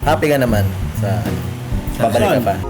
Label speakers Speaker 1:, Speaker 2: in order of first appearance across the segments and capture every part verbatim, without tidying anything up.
Speaker 1: Happy ka naman sa ano? Babalik ka pa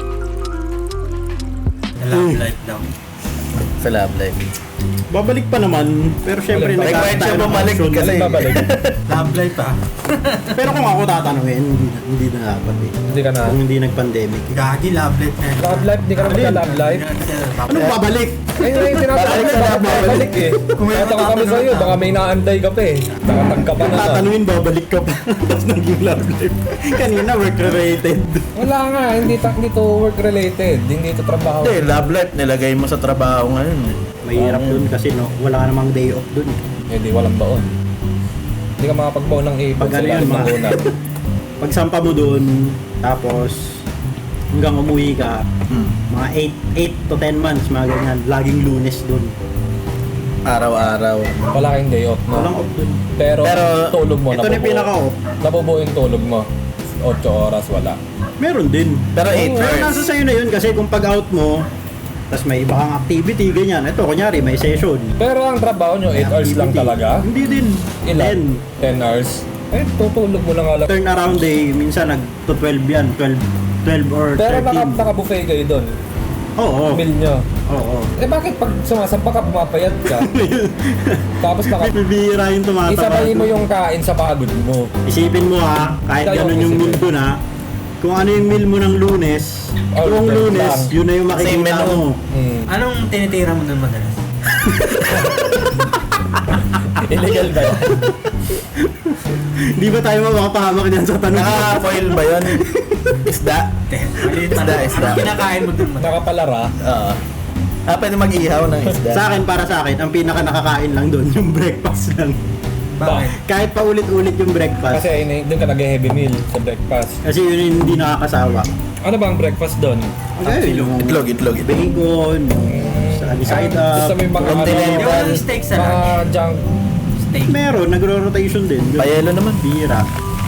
Speaker 2: Sa love life daw.
Speaker 1: sa love life.
Speaker 3: Babalik pa naman, pero syempre
Speaker 1: May
Speaker 3: nag-aantay
Speaker 1: kwento
Speaker 3: ng
Speaker 1: bumalik
Speaker 3: option.
Speaker 1: kasi.
Speaker 4: Babalik.
Speaker 2: Love life ah.
Speaker 3: Pero kung ako tatanungin, hindi, hindi na dapat eh.
Speaker 4: Hindi ka na.
Speaker 3: Kung hindi nag-pandemic.
Speaker 2: Gagi, love life na.
Speaker 4: Love life, di ka na magka-love life.
Speaker 3: Anong babalik?
Speaker 4: Ayun na yung tinatanong
Speaker 1: Babalik
Speaker 4: ko,
Speaker 1: sa
Speaker 4: bakit
Speaker 1: love
Speaker 4: babalik eh.
Speaker 2: Kung may
Speaker 4: Tatanong kami
Speaker 2: matatanong
Speaker 4: sa'yo,
Speaker 2: ka.
Speaker 4: baka may naantay ka pa eh. Nakatag ka pa na.
Speaker 3: Tatanungin, babalik ka pa. Tapos naging love life. Kanina, work-related.
Speaker 4: Wala nga, hindi, ta- hindi to work related, hindi to trabaho.
Speaker 1: Hindi, love life nilagay mo sa trabaho ngayon. eh.
Speaker 3: Mahirap dun kasi no, wala ka namang day off dun.
Speaker 4: Eh di walang baon. Hindi ka makapagbaon ng ipon
Speaker 3: Pag
Speaker 4: sa
Speaker 3: ano yun,
Speaker 4: ilalim ng
Speaker 3: mga-
Speaker 4: unan.
Speaker 3: Pag sampa mo dun, tapos hanggang umuwi ka,
Speaker 1: Hmm.
Speaker 3: mga eight to ten months, mga ganyan, laging lunes dun.
Speaker 1: Araw-araw.
Speaker 4: Wala kang day off, no?
Speaker 3: Walang off dun.
Speaker 4: Pero,
Speaker 1: Pero-
Speaker 4: tulog mo,
Speaker 3: Ito na yung
Speaker 4: nabubuo.
Speaker 3: pinaka-off.
Speaker 4: Nabubuo yung tulog mo. eight oras, wala.
Speaker 3: Meron din.
Speaker 1: Pero eight
Speaker 3: Pero
Speaker 1: hours.
Speaker 3: nasa sa'yo na yun kasi kung pag out mo, tapos may iba kang activity, ganyan. Ito, kunyari, may session.
Speaker 4: Pero ang trabaho nyo, eight hours lang
Speaker 3: Activity.
Speaker 4: talaga?
Speaker 3: Hindi din.
Speaker 4: Ilan? ten hours? Eh, tutulog mo lang alam.
Speaker 3: Turn around day, minsan nag to twelve yan. twelve, twelve or
Speaker 4: Pero naka,
Speaker 3: thirteen.
Speaker 4: naka-buffet kayo doon.
Speaker 3: Oo.
Speaker 4: Meal nyo.
Speaker 3: Oo.
Speaker 4: Eh bakit pag sumasampa ka, pumapayat ka? Tapos naka...
Speaker 3: Bibira yung tumatawa.
Speaker 4: Isabay mo yung kain sa pagod mo.
Speaker 3: Isipin mo ha, kahit
Speaker 4: Ikaw yung
Speaker 3: ganun yung
Speaker 4: isipin.
Speaker 3: meal doon ha, kung ano yung meal mo ng lunes,
Speaker 4: Oh,
Speaker 3: tuwong
Speaker 4: okay
Speaker 3: lunes,
Speaker 4: lang.
Speaker 3: yun na yung
Speaker 1: Same
Speaker 3: makikita
Speaker 1: menu.
Speaker 3: mo.
Speaker 4: Hmm.
Speaker 2: Anong tinitira mo nun madalas?
Speaker 4: Illegal ba yan?
Speaker 3: Di ba tayo mapapahamak dyan sa tanong?
Speaker 1: Naka-foil ba yun? Isda?
Speaker 2: Maliit pa
Speaker 1: Isda,
Speaker 2: lang.
Speaker 1: isda.
Speaker 2: Anong kinakain mo dun madalas?
Speaker 4: Nakapalara.
Speaker 1: Oo. Ah, pwede mag-ihaw ng isda.
Speaker 3: Sa akin, para sa akin, ang pinaka nakakain lang doon, yung breakfast lang.
Speaker 2: Bakit?
Speaker 3: Kahit pa ulit-ulit yung breakfast.
Speaker 4: Kasi ini doon ka nag-heavy meal sa breakfast.
Speaker 3: Kasi yun yung hindi nakakasawa.
Speaker 4: Ano ba ang breakfast doon?
Speaker 3: Okay, yung
Speaker 1: Itlog, itlog, itlog.
Speaker 3: bacon, sa side
Speaker 4: Ah,
Speaker 3: up.
Speaker 4: gusto mo yung mga
Speaker 1: Continental.
Speaker 4: ano,
Speaker 2: Yung steak sa
Speaker 4: mga
Speaker 2: lunch.
Speaker 4: junk.
Speaker 2: Steak.
Speaker 3: Meron, nagro-rotation din.
Speaker 1: Payelo naman.
Speaker 3: Bira.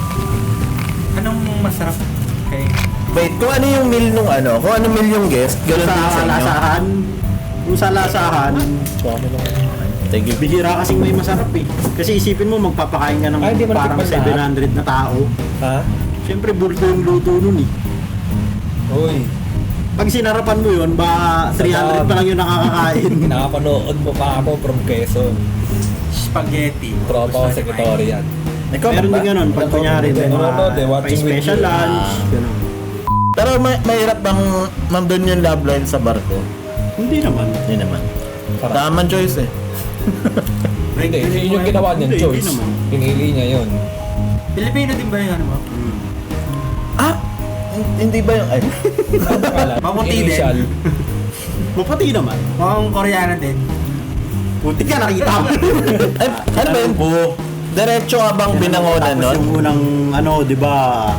Speaker 2: Anong masarap kay...
Speaker 1: Wait, kung ano yung meal nung ano, kung ano meal yung guest, ganun din sa
Speaker 3: Sa
Speaker 1: inyo.
Speaker 3: lasahan, kung sa lasahan,
Speaker 4: Suwami lang.
Speaker 1: Thank you.
Speaker 3: bihira kasing may masarap eh. Kasi isipin mo, magpapakain ka ng
Speaker 4: Ay, hindi mo
Speaker 3: parang
Speaker 4: natikman
Speaker 3: seven hundred na tao.
Speaker 4: Ha?
Speaker 3: Siyempre, bulto yung luto nun eh.
Speaker 4: Uy,
Speaker 3: Pag sinarapan mo yun, ba three hundred pa lang yung nakakakain.
Speaker 4: nakapanood mo pa ako from Quezon.
Speaker 2: Spaghetti.
Speaker 4: Tropa ko secretary yan.
Speaker 1: Ikaw
Speaker 3: Meron
Speaker 1: ba?
Speaker 3: din ganun, pag kunyari, may
Speaker 4: Ano, ano, de,
Speaker 3: mga
Speaker 4: watching
Speaker 3: may special
Speaker 4: with you.
Speaker 3: lunch,
Speaker 1: Ah.
Speaker 3: ganun.
Speaker 1: Pero may, mahirap bang nandun yung love line sa barko?
Speaker 3: Hindi naman.
Speaker 1: Hindi naman.
Speaker 4: Sarap.
Speaker 1: Tamang choice eh.
Speaker 4: Hindi, yun yung ginawa niyang
Speaker 3: Hindi,
Speaker 4: choice.
Speaker 3: hindi naman.
Speaker 4: Pinili niya yun.
Speaker 2: Pilipino din ba yung ano mo?
Speaker 1: Ah! hin- Hindi ba yung... Ay,
Speaker 2: Maputi din.
Speaker 4: Initial.
Speaker 3: Mapati naman.
Speaker 2: Mukhang Koreano din.
Speaker 3: Putik ka, nakita mo.
Speaker 1: ay ano ba yun po? Diretso ka bang binangonan
Speaker 3: Tapos
Speaker 1: nun?
Speaker 3: yung unang, ano, di ba,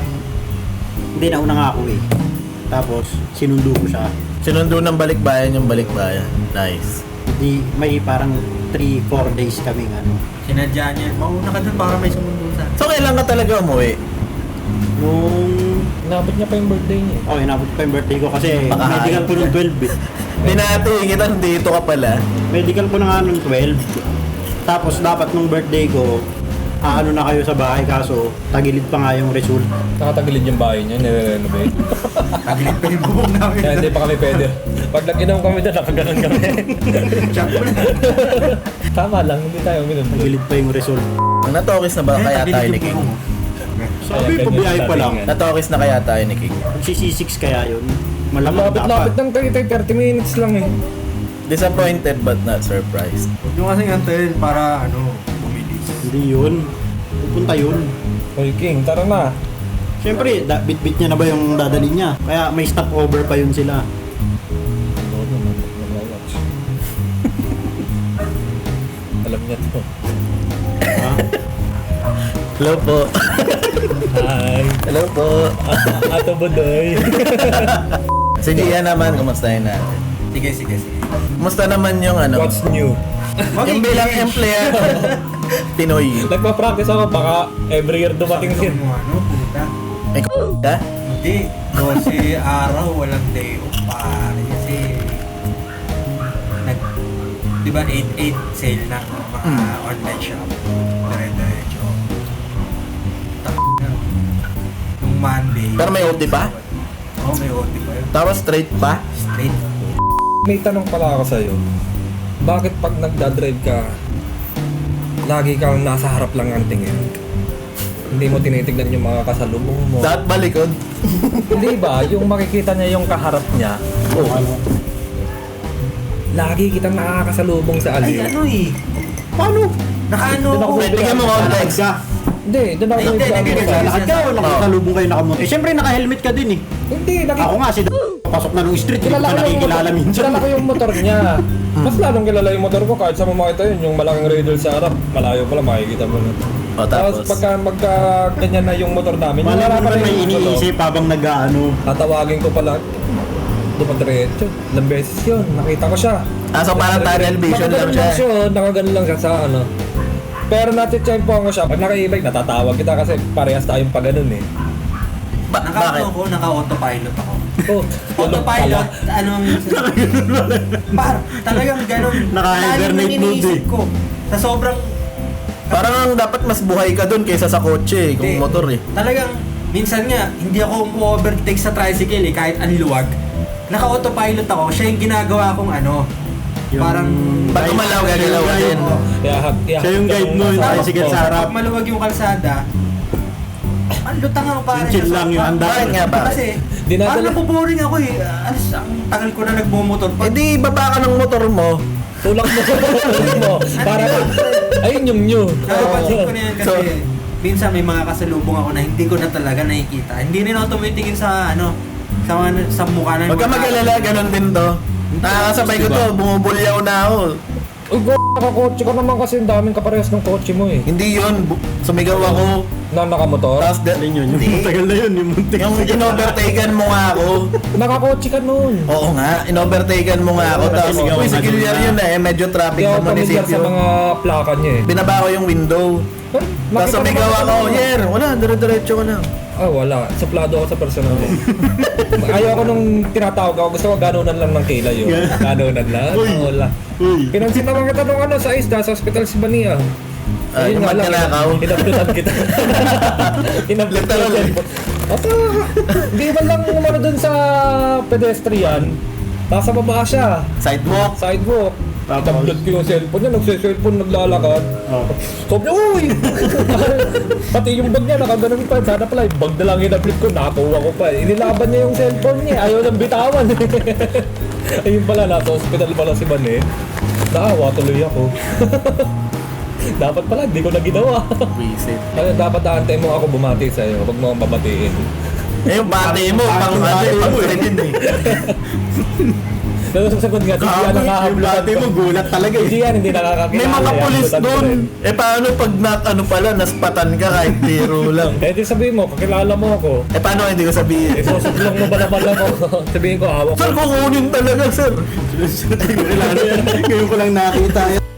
Speaker 3: hindi na unang ako eh. Tapos, sinundo ko siya.
Speaker 1: Sinundo ng balikbayan yung balikbayan. Nice.
Speaker 3: Di, may parang three four days kaming ano.
Speaker 2: Sinadya niya. Mauna ka dun para may sumundo sa...
Speaker 1: So, kailan ka talaga umuwi?
Speaker 3: Nung,
Speaker 4: Inabot niya pa yung birthday niya.
Speaker 3: oh, inabot pa yung birthday ko kasi
Speaker 1: Baka-
Speaker 3: medical ko nung twelve eh.
Speaker 1: Binati kita, dito ka pala.
Speaker 3: Medical ko na nga nung twelve. Tapos, dapat nung birthday ko, aano na kayo sa bahay kaso tagilid pa nga yung result.
Speaker 4: Nakatagilid yung bahay niya, nire-renovate.
Speaker 2: Tagilid pa yung bubong namin.
Speaker 4: Kaya hindi pa kami pwede. Pag nag-inom kami doon, nakaganon kami.
Speaker 2: Check mo na.
Speaker 4: Tama lang, hindi tayo uminom.
Speaker 3: Tagilid pa yung result.
Speaker 1: Natokis na ba
Speaker 2: Eh,
Speaker 1: kaya
Speaker 2: tagilid
Speaker 1: tayo
Speaker 2: yung
Speaker 1: ni King?
Speaker 2: bubong.
Speaker 3: Sabi,
Speaker 4: Kaya
Speaker 3: pabiyahe
Speaker 4: ganyan
Speaker 3: pa lang.
Speaker 4: dating
Speaker 1: Natokis na kaya tayo ni King?
Speaker 3: Si C six kaya yun.
Speaker 4: Ang
Speaker 3: Malamang
Speaker 4: lapit-lapit
Speaker 3: dapat.
Speaker 4: ng thirty, thirty minutes lang eh.
Speaker 1: Disappointed but not surprised.
Speaker 2: Huwag nyo kasing antayin para ano, bumilis.
Speaker 3: Hindi yun. Pupunta yun.
Speaker 4: Hoy King, tara na.
Speaker 3: Siyempre, da- bit-bit niya na ba yung dadali niya? Kaya may stopover pa yun sila.
Speaker 4: Lord naman, mag-watch. Alam niya to.
Speaker 3: Ha?
Speaker 1: Hello po.
Speaker 4: Hi.
Speaker 1: Hello po.
Speaker 4: Ato Bodoy.
Speaker 1: Si Gia naman, kumustahin natin?
Speaker 2: Sige, sige, sige.
Speaker 1: Kumusta naman yung ano?
Speaker 4: What's new?
Speaker 1: Yung bilang empleyado. Pinoy.
Speaker 4: Nagpa-practice ako, baka every year dumating
Speaker 2: Sabi
Speaker 4: din.
Speaker 2: mo ano, puta.
Speaker 1: May k*** ka?
Speaker 2: Hindi. Kasi araw, walang day off pare. Kasi nag, di ba eight eight sale ng mga
Speaker 1: Mm.
Speaker 2: online shop. Dire-diretso. Tak na. Yung nung Monday.
Speaker 1: Pero may O T pa?
Speaker 2: Oo, may O T pa yun.
Speaker 1: Tapos straight pa?
Speaker 2: Straight.
Speaker 4: May tanong pala ako sa'yo. Bakit pag nagdadrive ka, lagi kang nasa harap lang ang tingin? Hindi mo tinitignan yung mga kasalubong mo.
Speaker 1: Dapat balikod.
Speaker 4: Hindi ba? Yung makikita niya yung kaharap niya,
Speaker 3: Oh, ano?
Speaker 4: lagi kitang nakakasalubong sa
Speaker 2: Ay,
Speaker 4: aliw.
Speaker 2: ano eh.
Speaker 3: Paano?
Speaker 2: Nakaano
Speaker 4: Doon ako
Speaker 2: ako.
Speaker 1: May bigyan mo context.
Speaker 3: Ka.
Speaker 4: Hindi, doon ako
Speaker 2: Ay, hindi,
Speaker 4: nagsabi
Speaker 2: hindi,
Speaker 4: sa-
Speaker 2: hindi.
Speaker 3: Lakad ka o nakasalubong kayo nakamotor? Eh, syempre naka-helmet ka din eh.
Speaker 4: Hindi, nakita
Speaker 3: Ako nga, si pasok na nung street, hindi ko
Speaker 4: Kilala
Speaker 3: pa
Speaker 4: ko yung
Speaker 3: nakikilala
Speaker 4: motor,
Speaker 3: minsan.
Speaker 4: kilala ko yung motor niya. Mas lalong kilala yung motor ko kahit sa makita yun, yung malaking radar sa harap, malayo pala makikita mo na.
Speaker 1: O
Speaker 4: Tapos
Speaker 1: tapos.
Speaker 4: pagka magka ganyan na yung motor namin, yung
Speaker 3: Malay mo
Speaker 4: harapan
Speaker 3: naman
Speaker 4: na
Speaker 3: may
Speaker 4: yung motor,
Speaker 3: iniisip habang nag-ano.
Speaker 4: tatawagin ko pala, dumadiretso. Ilang beses yun, nakita ko siya.
Speaker 1: Ah, so parang tunnel vision lang
Speaker 4: Nakaganon
Speaker 1: siya.
Speaker 4: siya, nakaganon lang siya sa ano. Pero natitsempo ko siya, pag naka-e-bike, natatawag kita kasi parehas tayong pag ganun eh.
Speaker 1: Ba- bakit?
Speaker 2: Naka-ano ko, naka-autopilot ako.
Speaker 4: Oh,
Speaker 2: Autopilot, ano ang Par, talagang ganun.
Speaker 3: Naka-hibernate
Speaker 2: Lalim ng
Speaker 3: mode
Speaker 2: iniisip
Speaker 3: eh.
Speaker 2: ko. Sa sobrang
Speaker 1: Parang ang dapat mas buhay ka dun kaysa sa kotse eh, kung
Speaker 2: Hindi.
Speaker 1: motor eh.
Speaker 2: Talagang, minsan nga, hindi ako umu-overtake sa tricycle eh, kahit anluwag. Naka-autopilot ako, siya yung ginagawa kong ano,
Speaker 3: Yung-
Speaker 2: parang...
Speaker 1: Pag gumalaw, gagalaw ka din.
Speaker 2: Oo.
Speaker 4: Iahag, iahag
Speaker 3: Siya yung
Speaker 4: ka
Speaker 3: guide
Speaker 4: nung
Speaker 3: mo, yung
Speaker 4: nasa
Speaker 3: tricycle
Speaker 4: harap
Speaker 3: sa
Speaker 4: mo.
Speaker 3: harap.
Speaker 2: Pag maluwag yung kalsada, ang lutang ako parang
Speaker 3: Yung chill lang yung handa.
Speaker 1: Bakit nga ba?
Speaker 2: Kasi,
Speaker 4: Dinadala-
Speaker 2: parang napuboring ako eh. Alas, ang tagal ko na nagmumotor.
Speaker 1: Eh di, baba ka ng motor mo.
Speaker 4: Tulak mo, tulak mo. Para ka, ayun yung new.
Speaker 2: Napapansin ko na yan kasi
Speaker 1: So-
Speaker 2: minsan may mga kasalubong ako na hindi ko na talaga nakikita. Hindi rin ako tumitingin sa ano, sa mga, sa mukha ng
Speaker 1: Huwag ka
Speaker 2: mga-
Speaker 1: mag-alala, ganun din to. Nakakasabay ko to, bumubulyaw na ako.
Speaker 4: Uy, go, nakakotse ka naman kasi ang daming kaparehas ng kotse mo eh.
Speaker 1: Hindi yun, bu- sumigaw ako.
Speaker 4: Na nakamotor?
Speaker 1: Tapos, de-
Speaker 3: Alin yun, yung
Speaker 1: Hindi.
Speaker 3: matagal na yun, yung muntik.
Speaker 1: yung in-overtaken mo nga ako.
Speaker 4: Nakakotse ka nun.
Speaker 1: Oo nga, in-overtaken mo nga ako.
Speaker 3: Oo,
Speaker 1: Tapos,
Speaker 3: sumigaw
Speaker 1: uy,
Speaker 3: ka
Speaker 1: si Giliar
Speaker 3: dun na.
Speaker 1: yun eh, medyo traffic
Speaker 4: Hindi
Speaker 1: sa
Speaker 4: ako pamilyar sa
Speaker 1: munisipyo.
Speaker 4: mga plaka niya eh.
Speaker 1: Binaba ko yung window.
Speaker 4: Pero,
Speaker 1: Tapos
Speaker 4: makita
Speaker 1: sumigaw
Speaker 4: naman
Speaker 1: ako,
Speaker 4: ano.
Speaker 1: Yer, wala, dire-diretso ko lang.
Speaker 4: Ah, wala. Suplado ako sa personal mo. Ayaw ko nung tinatawag ako. Gusto ko ganunan lang ng kilay yun. Ganunan lang.
Speaker 3: Uy.
Speaker 4: Ah, wala.
Speaker 3: Uy,
Speaker 4: Pinansin naman kita nung ano sa ISDA, sa hospital si Bania.
Speaker 1: Ah, yung magkanakaw.
Speaker 4: Inablutan kita. Inablutan
Speaker 1: Literal.
Speaker 4: yung cellphone. Asa, hindi ba lang umano dun sa pedestrian? Nasa baba siya.
Speaker 1: Sidewalk.
Speaker 4: Sidewalk.
Speaker 3: Tapos?
Speaker 4: Inablot ko yung cellphone niya. Nagse-cellphone, naglalakad.
Speaker 3: oh.
Speaker 4: Stop niya, uy! Pati yung bag niya, nakaganon pa. Sana pala, yung bag na lang inablot ko, nakakuha ko pa. Inilaban niya yung cellphone niya, ayaw nang bitawan. Ayun pala, nasa hospital pala si Bane. Naawa tuloy ako. Dapat pala, hindi ko na ginawa.
Speaker 1: Visit.
Speaker 4: Kaya dapat aantay mo ako bumati sa'yo, huwag mo akong babatiin.
Speaker 1: Eh, yung bati mo, pang ano, pang credit eh.
Speaker 4: Pero sasagot nga, hindi yan
Speaker 3: Yung
Speaker 4: nakakablutan
Speaker 3: dati mo, gulat talaga
Speaker 4: Hindi
Speaker 3: eh.
Speaker 4: yan, hindi nakakakilala.
Speaker 1: May mga
Speaker 4: yan,
Speaker 1: pulis
Speaker 4: blutan ko
Speaker 1: doon.
Speaker 4: rin.
Speaker 1: Eh, paano pag na, ano pala, naspatan ka kahit biro lang?
Speaker 4: Eh, di sabihin mo, kakilala mo ako.
Speaker 1: Eh, paano hindi ko
Speaker 4: Eh,
Speaker 1: sabihin?
Speaker 4: susublong mo ba naman ako? Sabihin ko, hawak ko.
Speaker 1: Sir, kukunin talaga, sir.
Speaker 3: Kilala yan. Ngayon ko lang nakita yan.